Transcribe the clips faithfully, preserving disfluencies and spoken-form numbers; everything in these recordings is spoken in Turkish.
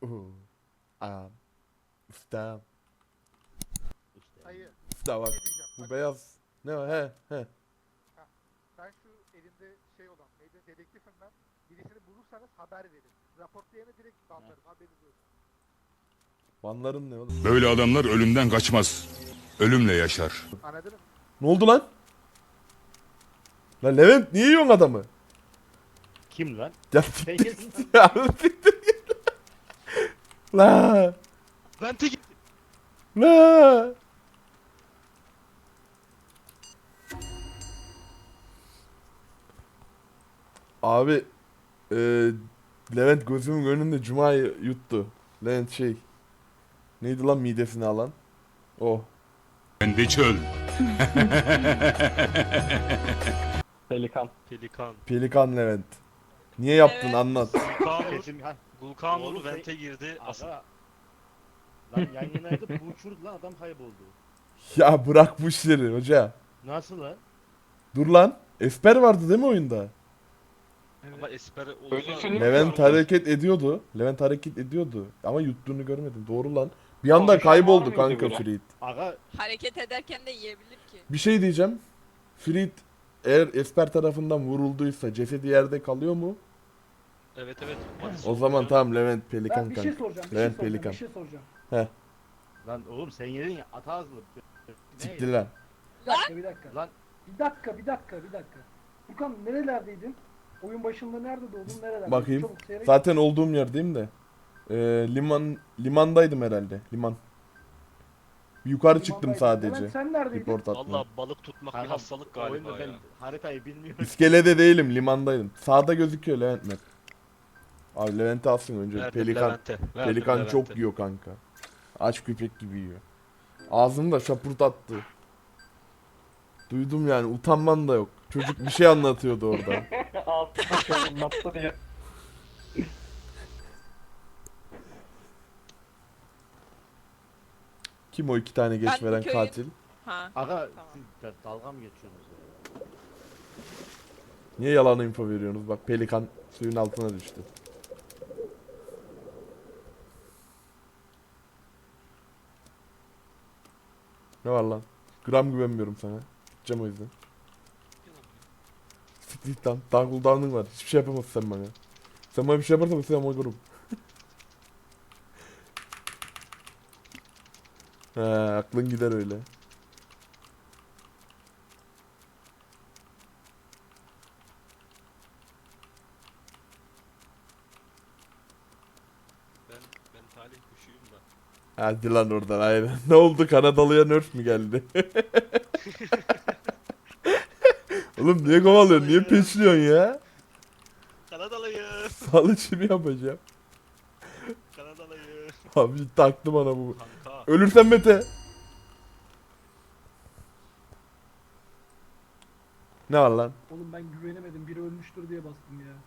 Oo. Aa. Usta. İşte. Dayı, Usta bak. bir şey diyeceğim. Bu Bak, beyaz. Ne o? He he. ben şu elimde şey olan, neydi, dedektifim ben. Birisini bulursanız haber verin. Raportlayanı direkt banlarım, haberiniz olsun. Vanların ne oğlum? Böyle adamlar ölümden kaçmaz. Ölümle yaşar. Anladın mı? Ne oldu lan? Lan Levent niye yiyorsun adamı? Kim lan? Ya Sen siktir kimsin git ya. Siktir git. La. Vente git. La. Abi e, Levent gözümün önünde Cuma'yı yuttu. Levent şey. Neydi lan midesini alan? Oh. Kendi çöl. Pelikan. Pelikan. Pelikan Levent. Niye yaptın Evet. anlat. Gulkanur, Kesin ha. Gulkanur Oğlum vente sen- girdi. Asıl Aga. Lan yan yanaydı bu uçurdu lan adam kayboldu. Ya bırak bu işleri hoca. Nasıl lan? Dur lan. Esper vardı değil mi oyunda? ama Esper oldu. Öyle film- Levent hareket ediyordu. Levent hareket ediyordu. Ama yuttuğunu görmedim. Doğru lan. Bir anda Konuşan var kayboldu mıydı kanka böyle? Frit. Aga Hareket ederken de yiyebilir ki. Bir şey diyeceğim. Frit eğer Esper tarafından vurulduysa cesedi yerde kalıyor mu? Evet evet. Hadi O sonra zaman ya. tamam Levent Pelikan Ben bir şey kanka. soracağım. Bir Levent şey soracağım. Pelikan. Bir şey soracağım. lan oğlum sen yedin ya ata ağzlı. Siktir lan. Bir dakika, bir dakika. Lan Bir dakika, bir dakika, bir dakika. Furkan nerelerdeydin? Oyun başında nerede doğdun? Nerelerdeydin? Bakayım. Çabuk seyret. Zaten olduğum yerdeyim de. Ee, liman limandaydım herhalde. Liman. Yukarı çıktım Limandaydın. sadece. Hemen sen neredeydin? Report atma. Valla balık tutmak bir kanka, hastalık galiba oyunda ya. ben haritayı bilmiyorum. İskelede değilim, limandaydım. Sağda gözüküyor Levent Mert. Abi Levent'i alsın önce. Verdim Pelikan. Levent'e. Verdim Pelikan Levent'e. çok yiyor kanka. Aç köpek gibi yiyor. Ağzını da şapurt attı. Duydum yani utanman da yok. Çocuk bir şey anlatıyordu orada. Altına şöyle anlattı diye. Kim o iki tane geç Ben veren köyün- katil? Ha. Aga Tamam. siz de dalga mı geçiyorsunuz ya? Niye yalan info veriyorsunuz? Bak pelikan suyun altına düştü. Ne var lan? Gram güvenmiyorum sana. Gideceğim o yüzden. Siktir git lan. Daha cooldown'un var. Hiçbir şey yapamazsın sen bana. Sen bana bir şey yaparsan sen oynarım. He aklın gider öyle. Ben, ben talih kuşuyum da. Hadi lan oradan aynen. Ne oldu Kanadalı'ya nerf mi geldi? Oğlum niye kovalıyorsun? Niye peşliyorsun ya? Kanadalıyım. Sağlı çimi yapacağım. Kanadalıyım. Abi taktı bana bu. Kanka. Ölürsen Mete. Ne var lan? Oğlum ben güvenemedim. Biri ölmüştür diye bastım ya.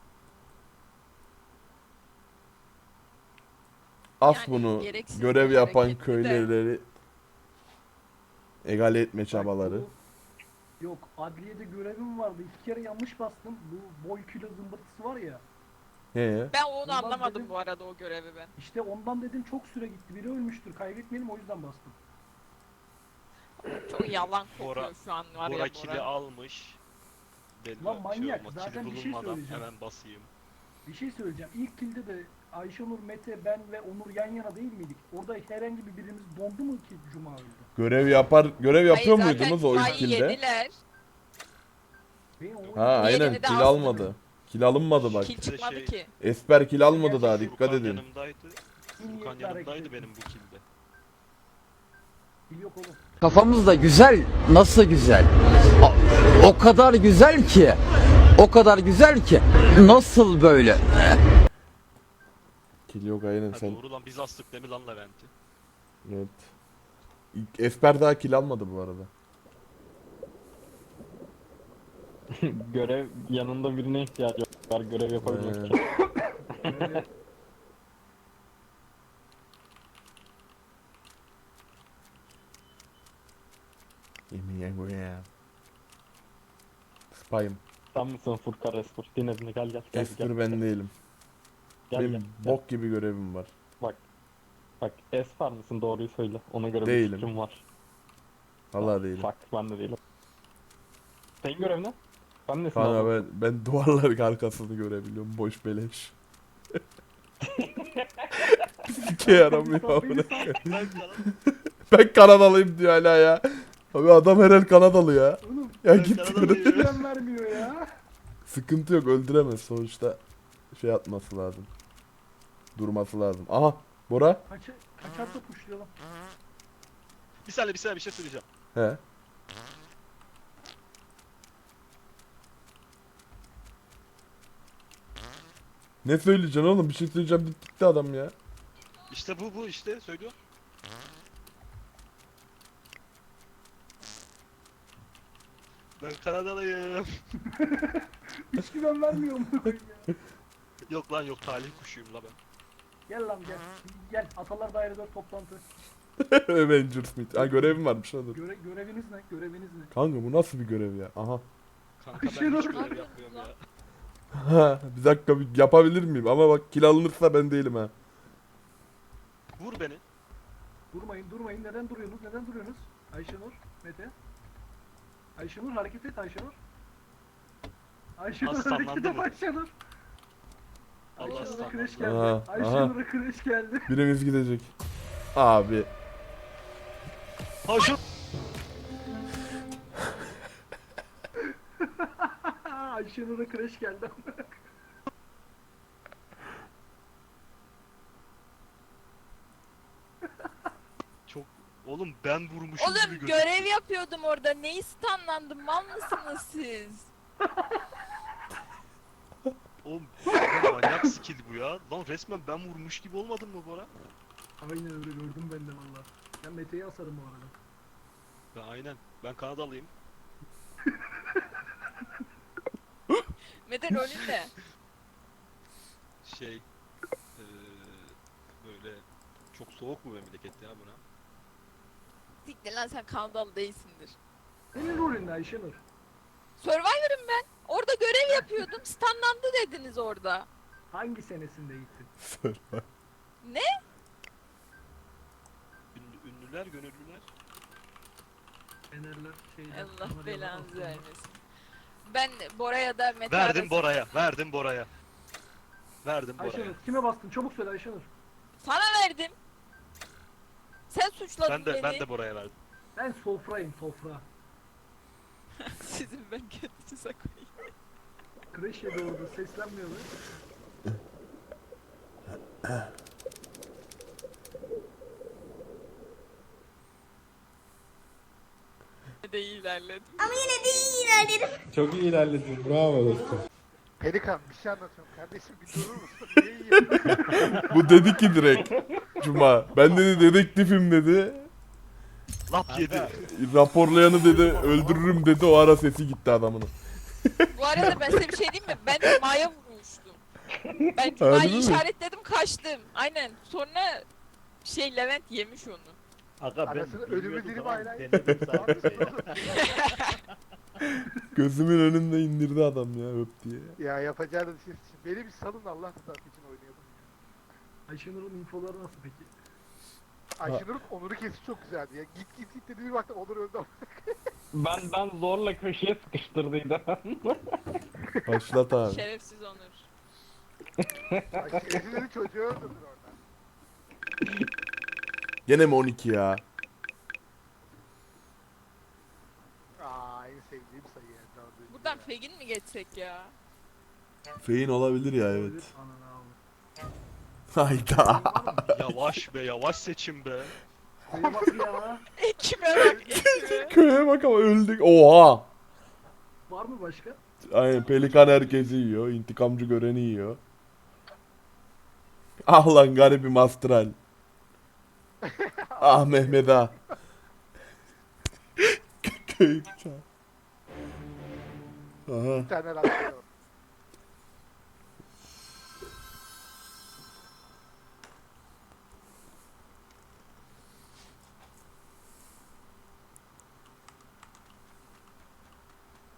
As Yani bunu. gereksiz Görev bir yapan hareketti de. köylüleri egale etme Bak, çabaları. bu- Yok, adliyede görevim vardı. İki kere yanlış bastım. Bu boy kilo zımbırtısı var ya. He. Ben onu Ondan anlamadım dedim- bu arada o görevi ben. İşte ondan dedim çok süre gitti. Biri ölmüştür. Kaybetmeyelim o yüzden bastım. Çok yalan kokuyor Bora- şu an var ya Bora kili Bora. almış. Belli Lan şey manyak, olmaz, zaten kili bir şey bulunmadan söyleyeceğim. hemen basayım. Bir şey söyleyeceğim. İlk kilde de Ayşenur, Mete, ben ve Onur yan yana değil miydik? Orada herhangi bir birimiz dondu mu ki Cuma öldü? Görev yapar görev yapıyor Hayır, zaten muydunuz o ilk Cuma'yı kilde? yediler. Ben o Ha aynen Diğerini de kill aslında- almadı. Kill alınmadı bak. Kil Bir de çıkmadı şey- ki. Esper kill almadı daha dikkat Furkan edin. yanımdaydı. iyi niyetli Furkan hareket yanımdaydı ettim. benim bu kilde. Kil yok oğlum. Kafamız da güzel, nasıl güzel? O, o kadar güzel ki, o kadar güzel ki, nasıl böyle? Kill yok aynen Ha, sen. doğru lan biz astık değil mi lan Levent'i? Evet. İlk Esper daha kill almadı bu arada. Görev yanında birine ihtiyacı var görev yapabilmek Ee, için. Böyle Yemin ederim. Spy'ım. Sen misin Furkan Esper? Dinledin gel gel gel. Esper gel. ben değilim. Gel Benim gel. bok gibi görevim var. Bak Esfar mısın doğruyu söyle. Ona göre Değilim. bir fikrim var. Vallahi değilim. Bak ben de değilim. Senin görev ne? Ben nesin Kanka abi? ben, ben duvarların arkasını görebiliyorum. Boş beleş. Sike yaramıyor amına koyayım. Ben Kanada, Ben Kanadalıyım diyor hala ya. Abi adam herhal Kanadalı ya. Oğlum Ya Ben git Kanadalıyım. diyorum. güven vermiyor ya. Sıkıntı yok, öldüremez sonuçta. Şey atması lazım. Durması lazım. Aha Bora. Kaça, kaçarsa puşlayalım. bir saniye bir saniye bir şey söyleyeceğim. He. Ne söyleyeceksin oğlum? Bir şey söyleyeceğim deyip gitti adam ya. İşte bu bu işte söylüyor. Ben Kanadalıyım. Hiç güven vermiyor mu? Yok lan yok talih kuşuyum la ben. Gel lan gel. Gel. Atalar Dairede toplantı. Avengers Meet. Ha görevim varmış ha dur. Göre, göreviniz ne? Göreviniz ne? Kanka bu nasıl bir görev ya? Aha. Kanka Bir şey ben hiç dur. görev yapmıyorum ya. Ha, bir dakika bir yapabilir miyim? Ama bak kill alınırsa ben değilim ha. Vur beni. Durmayın durmayın. Neden duruyorsunuz? Neden duruyorsunuz? Ayşenur, Mete. Ayşenur hareket et Ayşenur. Ayşenur Aslanlandı hareket et mı? Ayşenur. Allah Ayşenur'a aslanlandı. kreş geldi. Aha, Ayşenur'a kreş geldi. Birimiz gidecek. Abi. Ha şu. Ayşenur'a kreş geldi. Çok. Oğlum ben vurmuşum gibi Oğlum gözüküyor. görev yapıyordum orada. Neyi stunlandım? Mal mısınız siz? Oğlum ben manyak skill bu ya. Lan resmen ben vurmuş gibi olmadım mı Bora? Aynen öyle gördüm ben de valla. Ben Mete'yi asarım bu arada. Ben aynen. Ben Kanadalıyım. Mete rolün ne? Şey. Eee böyle çok soğuk mu memleket ya buna? Siktir lan sen Kanadalı değilsindir. Senin rolün ne Ayşenur? Survivor'ım ben. Orada görev yapıyordum. Stunlandı dediniz orada. Hangi senesinde gittin? Ne? Ünlü, ünlüler, gönüllüler. Fenerler şeyler. Allah Kanaryalar, belanızı Aslanlar. vermesin. Ben Bora'ya da Mete Verdim arasında- Bora'ya. Verdim Bora'ya. Verdim Bora'ya. Ayşenur kime bastın? Çabuk söyle Ayşenur. Sana verdim. Sen suçladın Ben de beni. ben de Bora'ya verdim. Ben sofrayım sofra. Sizin ben kendinize koyayım. Kreş yedi orada seslenmiyor mu? de iyi ilerledim. Çok iyi ilerledin. Bravo dostum. Pelikan bir şey anlatıyorum kardeşim bir durur musun? Niye yiyorsun? Bu dedi ki direkt. Cuma. Ben dedi dedektifim dedi. Lap yedi. Raporlayanı dedi öldürürüm dedi. O ara sesi gitti adamın. Bu arada ben size bir şey diyeyim mi? Ben de Maya vurmuştum. Ben Harbi Cuma'yı mi? işaretledim kaçtım. Aynen. Sonra şey Levent yemiş onu. Aga ben Arasını ölümü bilmiyordum dilim ama hala- denedim sadece ya. Gözümün önünde indirdi adam ya öp diye. Ya yapacağınız şey. Beni bir salın Allah rızası için oynayalım. Ayşenur'un infoları nasıl peki? Ayşenur'un Onur'u kesi çok güzeldi ya. Git git git dedi bir baktım Onur öldü. Ben ben zorla köşeye sıkıştırdıydım. Başlat abi. Şerefsiz Onur. Ay şerefsizleri çocuğu öldürdün orada. Gene mi on iki ya? Aa en sevdiğim sayı ya. dördüncü Buradan ya. Fegin mi geçsek ya? Feyin olabilir ya evet. Ananı avradım. Hayda. Yavaş be yavaş seçim be. Şuraya bak ya. Ekime bak ekime. Köye bak ama öldük. Oha. Var mı başka? Aynen pelikan herkesi yiyor. İntikamcı göreni yiyor. Ah lan garibim astral. Ah Mehmet ah. Köy bıçağı. Aha. Bir tane rastlıyor.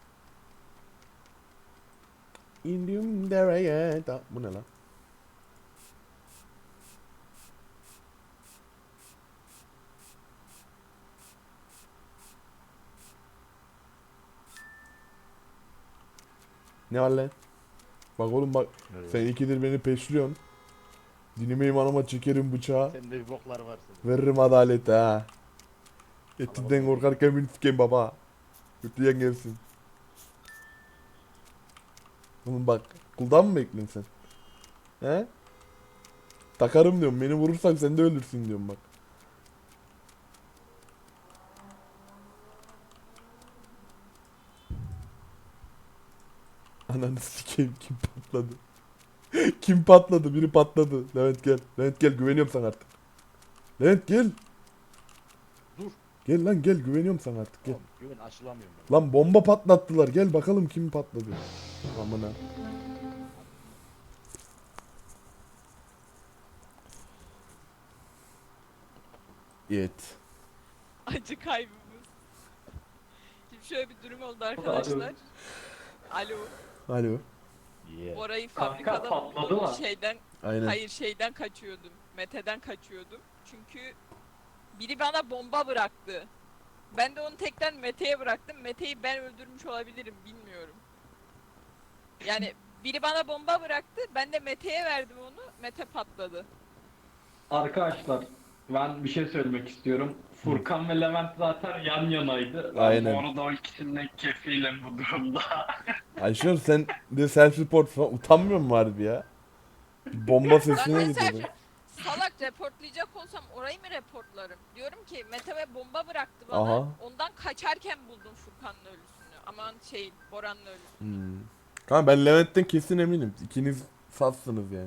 İndim dereye. Da- Bu ne lan? Ne var lan? Bak oğlum bak. Sen ikidir beni peşliyorsun. Dinime imanıma çekerim bıçağı. Sende bir boklar var senin. Veririm adaleti ha. Etinden korkarken beni sikeyim baba. Kötüyen gelsin. Oğlum bak. Kuldan mı bekliyorsun sen? He? Takarım diyorum. Beni vurursan sen de ölürsün diyorum bak. Ananı sikeyim, kim patladı? Kim patladı? Biri patladı. Levent gel. Levent gel, güveniyorum sana artık. Levent gel. Dur. Gel lan gel, güveniyorum sana artık gel. Oğlum, güven aşılamıyorum ben. Lan bomba patlattılar. Gel bakalım kim patladı. Amına. Evet. Acı kaybımız. Şimdi şöyle bir durum oldu arkadaşlar. Alo. Alo. Yeah. Bora'yı Kanka, fabrikadan patladı buldum. mı? Şeyden, Aynen. hayır şeyden kaçıyordum. Mete'den kaçıyordum. Çünkü biri bana bomba bıraktı. Ben de onu tekrar Mete'ye bıraktım. Mete'yi ben öldürmüş olabilirim, bilmiyorum. Yani biri bana bomba bıraktı. Ben de Mete'ye verdim onu. Mete patladı. Arkadaşlar ben bir şey söylemek istiyorum. Furkan ve Levent zaten yan yanaydı. Ben Aynen. bu arada o ikisinin kefilim bu durumda. Ayşen sen de self report falan utanmıyor musun harbi ya? Bomba sesine Ben gidiyor. mesela salak reportlayacak olsam orayı mı reportlarım? Diyorum ki Mete ve bomba bıraktı bana. Aha. Ondan kaçarken buldum Furkan'ın ölüsünü. Aman şey Boran'ın ölüsünü. Hmm. Kanka ben Levent'ten kesin eminim. İkiniz satsınız yani.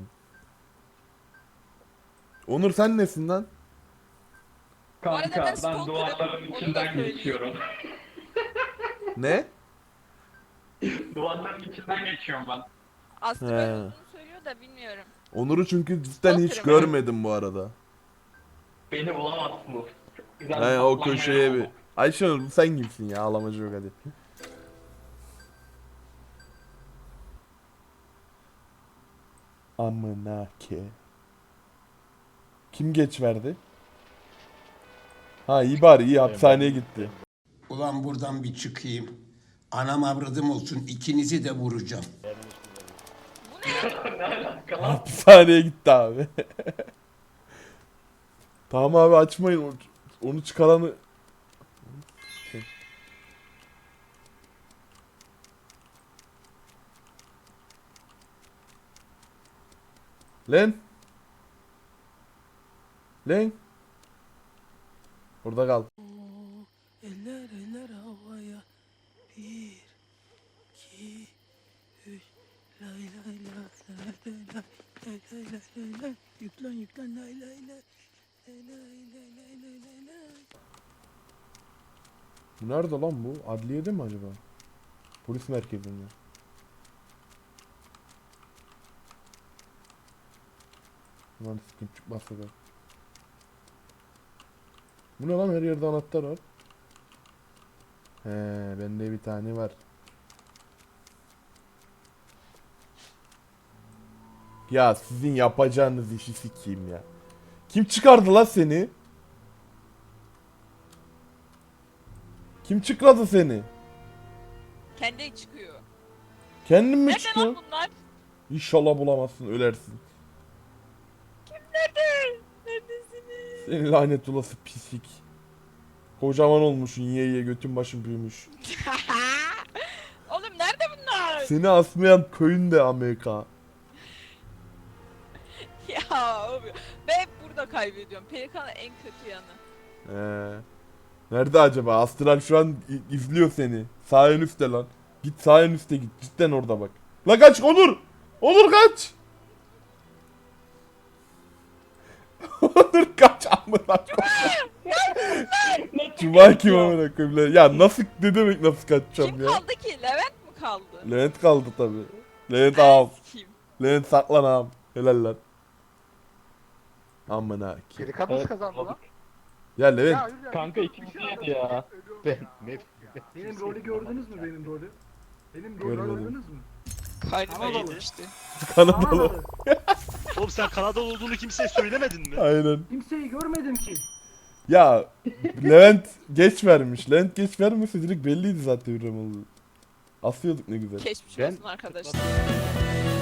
Onur sen nesin lan? arada Kanka ben ben stalker'ım, duvarların onu da içinden söyleyeyim. geçiyorum. Ne? Duvarların içinden geçiyorum ben. Aslı He. böyle olduğunu söylüyor da bilmiyorum. Onur'u çünkü cidden hiç Stalker'ım görmedim bu arada. Beni bulamazsınız. Güzel He o patlamaya köşeye bir. oldu. Ayşenur sen kimsin ya, ağlamacı yok hadi. Amına ke. Kim geç verdi? Ha iyi bari, iyi hapishaneye gitti. Ulan buradan bir çıkayım. Anam avradım olsun, ikinizi de vuracağım. Ne alaka lan? Hapishaneye gitti abi. Tamam abi açmayın onu, onu çıkaranı. Lan. Lan. Orada kal. Eller eller havaya. Bir, iki, üç. Lay lay lay lay lay lay lay lay lay lay lay. Yüklen yüklen lay lay lay. Lay lay lay lay lay lay lay. Bu nerede lan bu? Adliyede mi acaba? Polis merkezinde. Lan sıkıntı çıkmazsa da. Bu ne lan, her yerde anahtar var. He, bende bir tane var. Ya sizin yapacağınız işi sikeyim ya. Kim çıkardı lan seni? Kim çıkardı seni? Kendi çıkıyor. Kendin mi Nerede çıkıyor? lan bunlar? İnşallah bulamazsın, ölersin. Nerede? Neredesiniz? Senin lanet olası pislik. Kocaman olmuşsun, yiye yiye götün başın büyümüş. Oğlum nerede bunlar? Seni asmayan köyün de Amerika. Ya abi ben hep burada kaybediyorum. Pelikan'ın en kötü yanı. Ee, nerede acaba? Astral şu an i- izliyor seni. Sağ en üstte lan. Git sağ en üstte git. Cidden orada bak. La kaç Onur! Onur kaç! Onur kaç amına koyayım. Cuma kim amına koyayım lan? Ya nasıl, ne demek nasıl kaçacağım Kim ya? kaldı ki? Levent mi kaldı? Levent kaldı tabi. Levent ağam. Kim? Levent saklan ağam. Helal lan. Amına ki. Geri nasıl Evet, kazandı lan? Ya Levent. Ya, yürü ya, Kanka bir şey ikimiz anlatayım, yedi ya. ölüyorum Ben ya. ne? Benim rolü gördünüz mü benim rolü? Benim rolü Görmedim. gördünüz mü? Kaynıma Kanadalı. işte. Kanadalı. Kanadalı. Oğlum sen Kanadalı olduğunu kimseye söylemedin mi? Aynen. Kimseyi görmedim ki. Ya Levent geç vermiş. Levent geç vermese direkt belliydi zaten Hürrem olduğu. Asıyorduk ne güzel. Geçmiş Ben- olsun arkadaşlar.